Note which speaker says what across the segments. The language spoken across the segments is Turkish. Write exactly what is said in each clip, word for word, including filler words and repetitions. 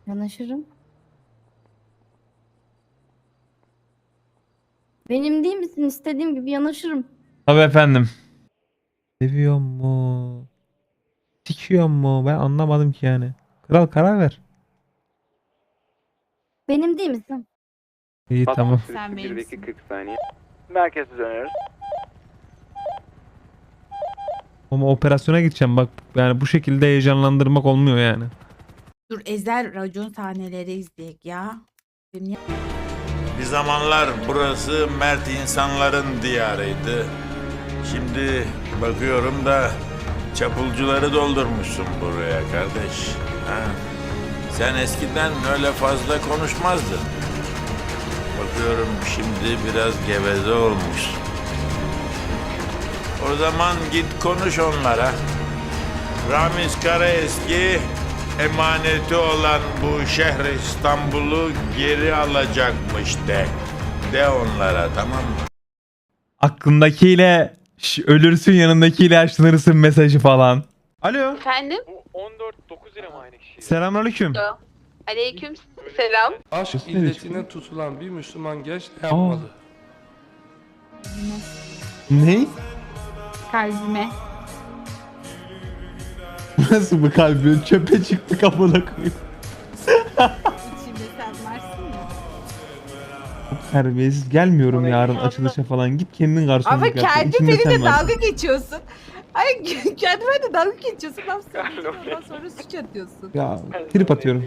Speaker 1: Yanaşırım. Benim değil misin? İstediğim gibi yanaşırım.
Speaker 2: Tabii efendim. Seviyor mu? Sikiyor mu? Ben anlamadım ki yani. Kral karar ver.
Speaker 1: Benim değil misin?
Speaker 2: İyi tamam.
Speaker 1: Sen
Speaker 3: bir
Speaker 1: benimsin.
Speaker 3: kırk saniye. Merkeze dönüyoruz.
Speaker 2: Ama operasyona gideceğim bak. Yani bu şekilde heyecanlandırmak olmuyor yani.
Speaker 4: Dur ezel racon sahneleri izleyek ya. Dünya...
Speaker 5: Bir zamanlar burası mert insanların diyarıydı. Şimdi bakıyorum da çapulcuları doldurmuşsun buraya kardeş. Ha? Sen eskiden öyle fazla konuşmazdın. Bakıyorum şimdi biraz geveze olmuşsun. O zaman git konuş onlara. Ramiz Karaeski emaneti olan bu şehri İstanbul'u geri alacakmış de. De onlara, tamam mı?
Speaker 2: Aklındakiyle şş, ölürsün, yanındakiyle yaşlanırsın mesajı falan. Alo.
Speaker 6: Efendim?
Speaker 3: on dört dokuz lira mı aynı kişi?
Speaker 2: Selamünaleyküm.
Speaker 6: Aleyküm selam.
Speaker 7: Aşk
Speaker 2: Sesi nereye
Speaker 7: illetine tutulan bir Müslüman genç ne yapmalı?
Speaker 2: Ne?
Speaker 4: Kalbime.
Speaker 2: Nasıl bu kalbin? Çöpe çıktı kafana koyuyor.
Speaker 4: İçimde sen varsın ya.
Speaker 2: Terbiyesiz gelmiyorum yarın açılışa falan. Git kendin garsonluk
Speaker 4: Ama
Speaker 2: yap.
Speaker 4: kendi
Speaker 2: İçinde sen
Speaker 4: benimle
Speaker 2: varsın.
Speaker 4: dalga geçiyorsun. Ay kendi benimle dalga geçiyorsun. Laf söylüyorsun ondan sonra suç atıyorsun.
Speaker 2: Ya trip atıyorum.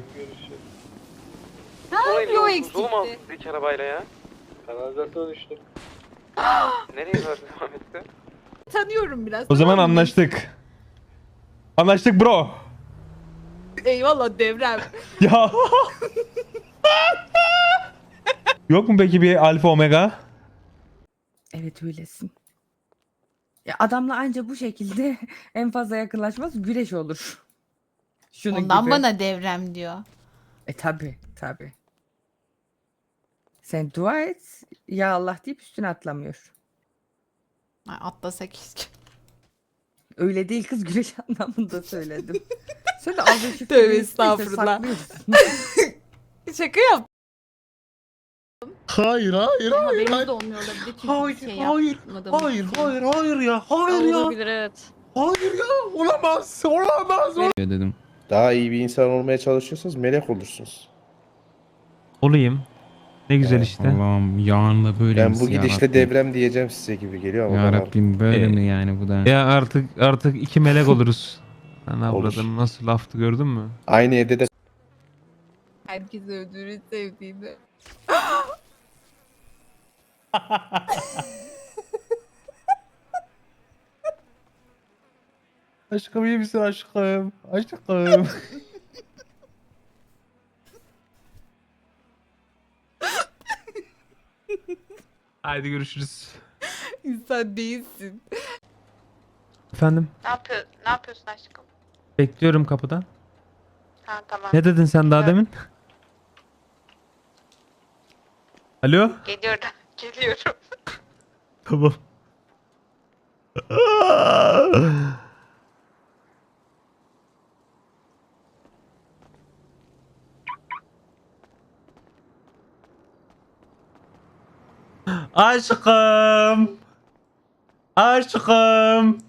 Speaker 4: Ne yapıyor o eksikti?
Speaker 3: Olmaz hiç arabayla ya. Kanalizasyona düştüm. Nereye var devam etti?
Speaker 4: Tanıyorum biraz.
Speaker 2: O zaman
Speaker 4: tamam mı?
Speaker 2: anlaştık. Anlaştık bro.
Speaker 4: Eyvallah devrem.
Speaker 2: Ya. Yok mu peki bir alfa omega?
Speaker 8: Evet öylesin. Ya adamla anca bu şekilde en fazla yakınlaşmaz güreş olur. Şunun
Speaker 4: Ondan
Speaker 8: gibi.
Speaker 4: bana devrem diyor.
Speaker 8: E tabi tabi. Sen dua et ya Allah deyip üstüne atlamıyor.
Speaker 4: Ay, atlasa keşke.
Speaker 8: Öyle değil kız güreş anlamında söyledim. Sen de az önce
Speaker 4: Tövbe
Speaker 8: şüpheli
Speaker 4: estağfurullah.
Speaker 8: saklıyorsun.
Speaker 4: Şaka yap.
Speaker 2: Hayır hayır
Speaker 1: Haberimiz de olmuyor olabilir. Çünkü
Speaker 2: Hayır,
Speaker 1: bir şey
Speaker 2: hayır,
Speaker 1: yapmadığımız
Speaker 2: hayır
Speaker 1: için.
Speaker 2: hayır hayır ya hayır ya.
Speaker 6: Olabilir evet.
Speaker 2: Hayır ya olamaz olamaz.
Speaker 9: dedim.
Speaker 10: Daha iyi bir insan olmaya çalışıyorsanız melek olursunuz.
Speaker 2: Olayım. Ne güzel işte.
Speaker 9: Allah'ım yarınla böyle
Speaker 10: Ben
Speaker 9: misin
Speaker 10: bu
Speaker 9: ya
Speaker 10: gidişle
Speaker 9: Rabbim?
Speaker 10: devrem diyeceğim size gibi geliyor ama
Speaker 9: Ya
Speaker 10: bakalım.
Speaker 9: Rabbim böyle
Speaker 2: Ee,
Speaker 9: mi yani bu da?
Speaker 2: Ya artık artık iki melek oluruz. Sen
Speaker 10: Olur.
Speaker 2: avradın nasıl laftı gördün mü?
Speaker 10: Aynı evde de
Speaker 4: Herkes öldürür sevdiğini.
Speaker 2: Aşkım iyi misin aşkım? Aşkım. Haydi görüşürüz.
Speaker 4: İnsan değilsin.
Speaker 2: Efendim
Speaker 6: Ne yapıyor? Ne yapıyorsun aşkım?
Speaker 2: bekliyorum kapıda.
Speaker 6: Ha tamam.
Speaker 2: Ne dedin sen daha
Speaker 6: Evet.
Speaker 2: demin? Alo?
Speaker 6: Geliyorum. Geliyorum.
Speaker 2: Tamam. Aşkım. Aşkım.